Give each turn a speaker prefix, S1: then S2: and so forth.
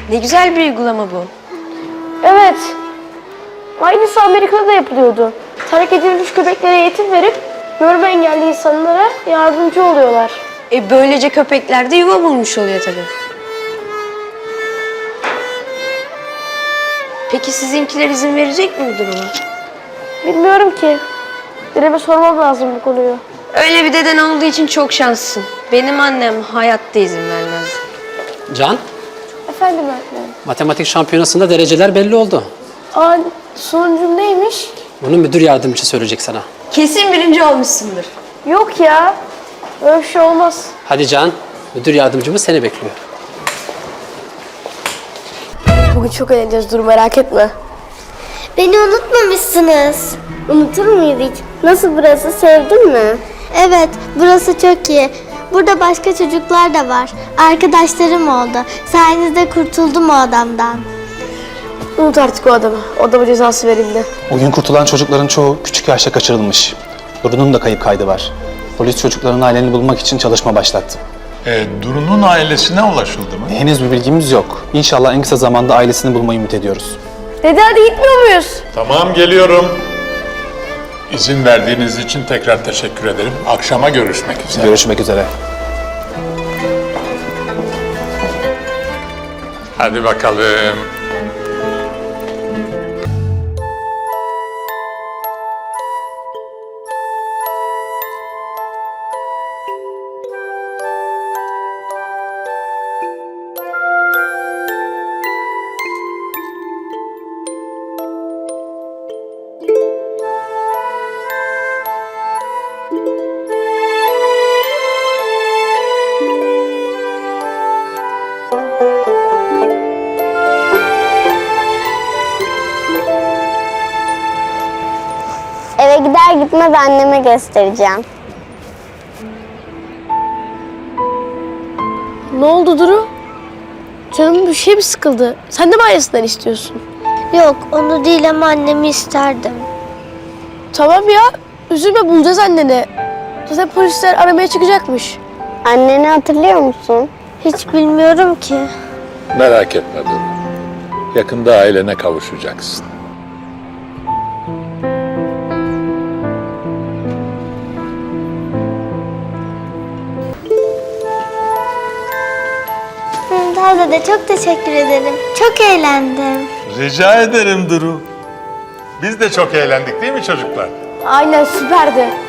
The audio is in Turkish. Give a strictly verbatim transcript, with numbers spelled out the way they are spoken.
S1: Ne güzel bir uygulama bu.
S2: Evet. Aynısı Amerika'da da yapılıyordu. Terk edilmiş köpeklere eğitim verip görme engelli insanlara yardımcı oluyorlar.
S1: E böylece köpekler de yuva bulmuş oluyor tabii. Peki sizinkiler izin verecek mi bu duruma?
S2: Bilmiyorum ki. Dedeme sormam lazım bu konuyu.
S1: Öyle bir deden olduğu için çok şanslısın. Benim annem hayatta izin vermez.
S3: Can,
S2: Efendim öğretmenim.
S3: matematik şampiyonasında dereceler belli oldu.
S2: Aa, sonucum neymiş?
S3: Bunu müdür yardımcısı söyleyecek sana.
S1: Kesin birinci olmuşsundur.
S2: Yok ya. Öyle bir şey olmaz.
S3: Hadi Can, müdür yardımcımız seni bekliyor.
S2: Bugün çok eğleneceğiz, dur merak etme.
S4: Beni unutmamışsınız.
S5: Unutur muyuz hiç? Nasıl burası, sevdin mi?
S4: Evet, burası çok iyi. Burada başka çocuklar da var. Arkadaşlarım oldu. Sayenizde kurtuldum o adamdan.
S2: Unut artık o adamı. O adama cezası verildi.
S6: O gün kurtulan çocukların çoğu küçük yaşta kaçırılmış. Duru'nun da kayıp kaydı var. Polis çocukların ailelerini bulmak için çalışma başlattı.
S7: E, Duru'nun ailesine ulaşıldı mı?
S6: Henüz bir bilgimiz yok. İnşallah en kısa zamanda ailesini bulmayı ümit ediyoruz.
S2: Dede hadi gitmiyor muyuz?
S7: Tamam, geliyorum. İzin verdiğiniz için tekrar teşekkür ederim. Akşama görüşmek üzere.
S6: Görüşmek üzere.
S7: Hadi bakalım.
S5: Eve gider gitmez anneme göstereceğim.
S2: Ne oldu Duru? Canım bir şey mi sıkıldı? Sen de mi ailesinden istiyorsun?
S4: Yok, onu değil ama annemi isterdim.
S2: Tamam ya. Üzülme, bulacağız anneni. Zaten polisler aramaya çıkacakmış.
S5: Anneni hatırlıyor musun?
S4: Hiç bilmiyorum ki.
S7: Merak etme Duru. Yakında ailene kavuşacaksın.
S4: Daha da çok teşekkür ederim. Çok eğlendim.
S7: Rica ederim Duru. Biz de çok eğlendik değil mi çocuklar?
S2: Aynen, süperdi.